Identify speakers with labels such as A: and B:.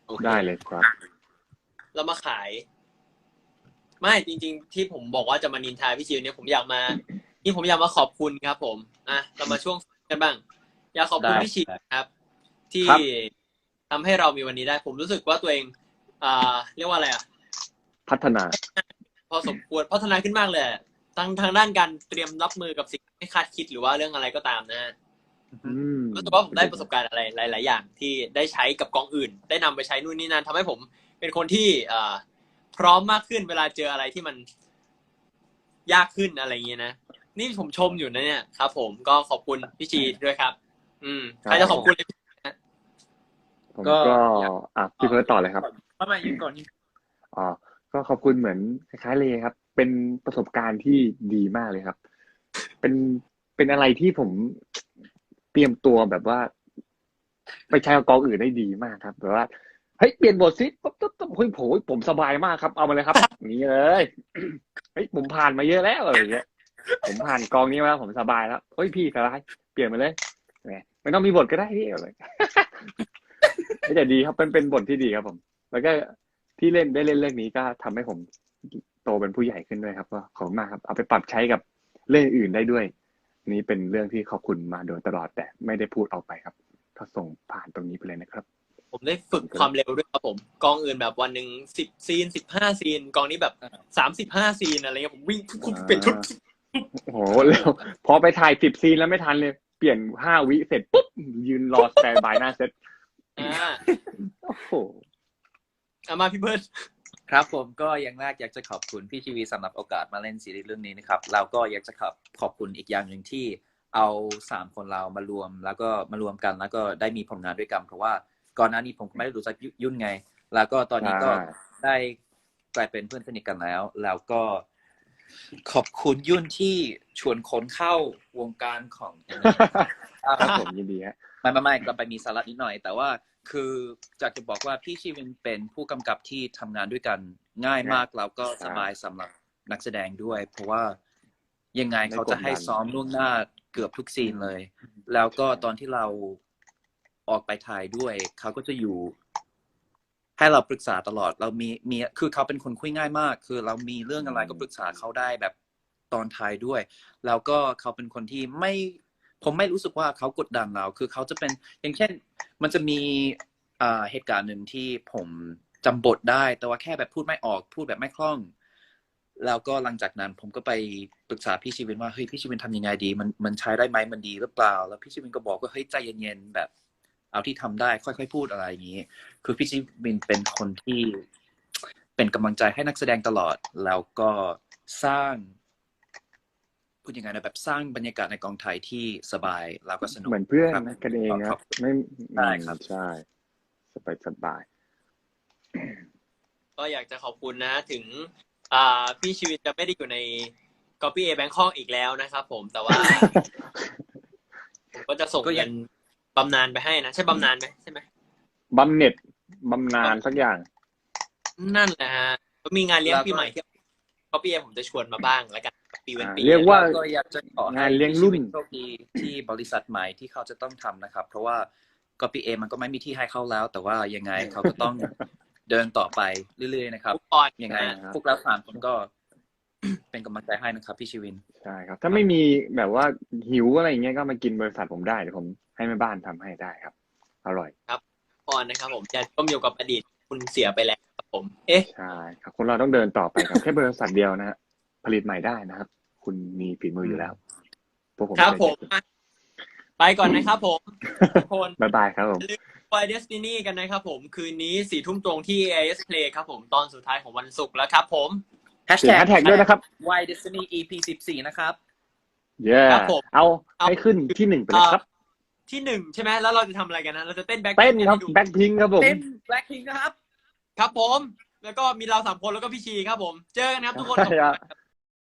A: โอเค
B: ได้เลยครับ
A: เรามาขายไม่จริงๆที่ผมบอกว่าจะมานินทาพี่ชิวเนี่ยผมอยากมาขอบคุณครับผมเรามาช่วงกันบ้างอยากขอบคุณ
C: ได้
A: พี่ชิวครับที่
B: ครับ
A: ทำให้เรามีวันนี้ได้ผมรู้สึกว่าตัวเองเรียกว่าอะไร
B: พัฒนา
A: พอสมควรพัฒนาขึ้นมากเลยทางด้านการเตรียมรับมือกับสิ่งไม่คาดคิดหรือว่าเรื่องอะไรก็ตามนะรู้สึกว่าผมได้ประสบการณ์อะไรหลายๆอย่างที่ได้ใช้กับกองอื่นได้นำไปใช้นู่นนี่นั่นทำให้ผมเป็นคนที่พร้อมมากขึ้นเวลาเจออะไรที่มันยากขึ้นอะไรอย่างเงี้ยนะนี่ผมชมอยู่นะเนี่ยครับผมก็ขอบคุณพี่จีด้วยครับใครจะขอบคุณเลย
B: ผมก็พี่เพิร์ตต่อเลยครับ
C: เข้ามายืนก่อน
B: ก็ขอบคุณเหมือนคล้ายๆเลยครับเป็นประสบการณ์ที่ดีมากเลยครับเป็นอะไรที่ผมเตรียมตัวแบบว่าไปใช้กับกองอื่นได้ดีมากครับแบบว่าเฮ้ยเปลี่ยนบทซิปุ๊บเฮ้ยผมสบายมากครับเอามาเลยครับนี่เลยเฮ้ยผมผ่านมาเยอะแล้วอะไรอย่างเงี้ยผมผ่านกองนี้มาแล้วผมสบายแล้วเฮ้ยพี่สบายเปลี่ยนมาเลยไม่ต้องมีบทก็ได้พี่อะไรแต่ดีครับเป็นบทที่ดีครับผมแล้วก็ที่เล่นเรื่องนี้ก็ทำให้ผมโตเป็นผู้ใหญ่ขึ้นด้วยครับก็ขอบคุณมากครับเอาไปปรับใช้กับเรื่องอื่นได้ด้วยนี่เป็นเรื่องที่ขอบคุณมาโดยตลอดแต่ไม่ได้พูดออกไปครับก็ส่งผ่านตรงนี้ไปเลยนะครับ
A: ผมได้ฝึกความเร็วด้วยครับผมกองอื่นแบบวันหนึ่ง10 ซีน15 ซีนกองนี้แบบ35 ซีนอะไรเงี้ยผมวิ่งเปลี่ยนชุด
B: โอ้โหเร็วพอไปถ่าย10 ซีนแล้วไม่ทันเลยเปลี่ยน5 วิเสร็จปุ๊บยืนรอสแตนบายหน้าเซตโอ้โห
A: มาพี่เบิร์ด
C: ครับผมก็อย่างแรกอยากจะขอบคุณพี่ชีวีสำหรับโอกาสมาเล่นซีรีส์เรื่องนี้นะครับแล้วก็อยากจะขอบคุณอีกอย่างหนึ่งที่เอา3 คนเรามารวมแล้วก็มารวมกันแล้วก็ได้มีผลงานด้วยกันเพราะว่าก่อนหน้านี้ผมก็ไม่ได้รู้จักยุ่นไงแล้วก็ตอนนี้ก็ได้กลายเป็นเพื่อนสนิทกันแล้วก็ขอบคุณยุ่นที่ชวนคนเข้าวงการของ
B: ครับผมยินดีฮะ
C: ไม่ก็ไปมีสาระนิดหน่อยแต่ว่าคือจะบอกว่าพี่ชีวินเป็นผู้กำกับที่ทำงานด้วยกันง่ายมากแล้วก็สบายสำหรับนักแสดงด้วยเพราะว่ายังไงเขาจะให้ซ้อมล่วงหน้าเกือบทุกซีนเลยแล้วก็ตอนที่เราออกไปถ่ายด้วยเขาก็จะอยู่ให้เราปรึกษาตลอดเรามีคือเขาเป็นคนคุยง่ายมากคือเรามีเรื่องอะไรก็ปรึกษาเขาได้แบบตอนถ่ายด้วยแล้วก็เขาเป็นคนที่ผมไม่รู้สึกว่าเขากดดันเราคือเขาจะเป็นอย่างเช่นมันจะมีเหตุการณ์หนึ่งที่ผมจำบทได้แต่ว่าแค่แบบพูดไม่ออกพูดแบบไม่คล่องแล้วก็หลังจากนั้นผมก็ไปปรึกษาพี่ชีวินว่าเฮ้ยพี่ชีวินทำยังไงดีมันใช้ได้ไหมมันดีหรือเปล่าแล้วพี่ชีวินก็บอกว่าเฮ้ยใจเย็นๆแบบเอาที่ทำได้ค่อยๆพูดอะไรอย่างนี้คือพี่ชีวินเป็นคนที่เป็นกำลังใจให้นักแสดงตลอดแล้วก็สร้างพูดยังไงนะแบบสร้างบรรยากาศในกองถ่ายที่สบายแล้วก็สนุก
B: เหมือนเพื่อนกันเองครับไม่
C: ได้ครับ
B: ใช่สบาย
A: ก็อยากจะขอบคุณนะถึงพี่ชีวิตจะไม่ได้อยู่ใน Copy A Bangkok อีกแล้วนะครับผมแต่ว่าผมก็จะส่งเงินบำนาญไปให้นะใช่บำนาญไหมใช่ไหม
B: บำเหน็จบำนาญสักอย่าง
A: นั่นแหละฮะก็มีงานเลี้ยงปีใหม่ที่Copy Aผมจะชวนมาบ้างแล้วกันปีเว้นปี
B: เรียกว่า
C: ก็อยากจะขอให้เลี้ยงรุ่นโชคดีที่บริษัทใหม่ที่เขาจะต้องทำนะครับเพราะว่า Copy A มันก็ไม่มีที่ให้เขาแล้วแต่ว่ายังไงเขาก็ต้องเดินต่อไปเรื่อยๆนะครับยังไงพวกเรา3 คนก็เป็นกำลังใจให้นะครับพี่ชีวิน
B: ใช่ครับถ้าไม่มีแบบว่าหิวอะไรอย่างเงี้ยก็มากินบริษัทผมได้เดี๋ยวผมให้แม่บ้านทำให้ได้ครับอร่อย
A: ครับพรนะครับผมจะต้มอยู่กับอดีตคุณเสียไปแล้วครับผม
B: ใช่ครับคนเราต้องเดินต่อไปครับแค่บริษัทเดียวนะฮะผลิตใหม่ได้นะครับคุณมีฝีมืออยู่แล้วพวกผม
A: ครับผมไปก่อนนะครับผมทุกคน
B: บ๊ายบายครับผม
A: Why Destiny กันนะครับผมคืนนี้4 ทุ่มตรงที่ AIS Play ครับผมตอนสุดท้ายของวันศุกร์แล้วครับผม
B: แฮชแท็กด้วยนะครับ
C: Why Destiny EP 14นะครับ
B: ครับผมเอาให้ขึ้นที่1ไปเลยครับ
A: ที่1ใช่ไหมแล้วเราจะทำอะไรกันนะเราจะเต้นแบ็ค
B: ครับแบ็คพิงครับผม
C: เต้นแบ็คพิงนะครับ
A: ครับผมแล้วก็มีเรา3 คนแล้วก็พี่ชีครับผมเจอกันครับทุกคน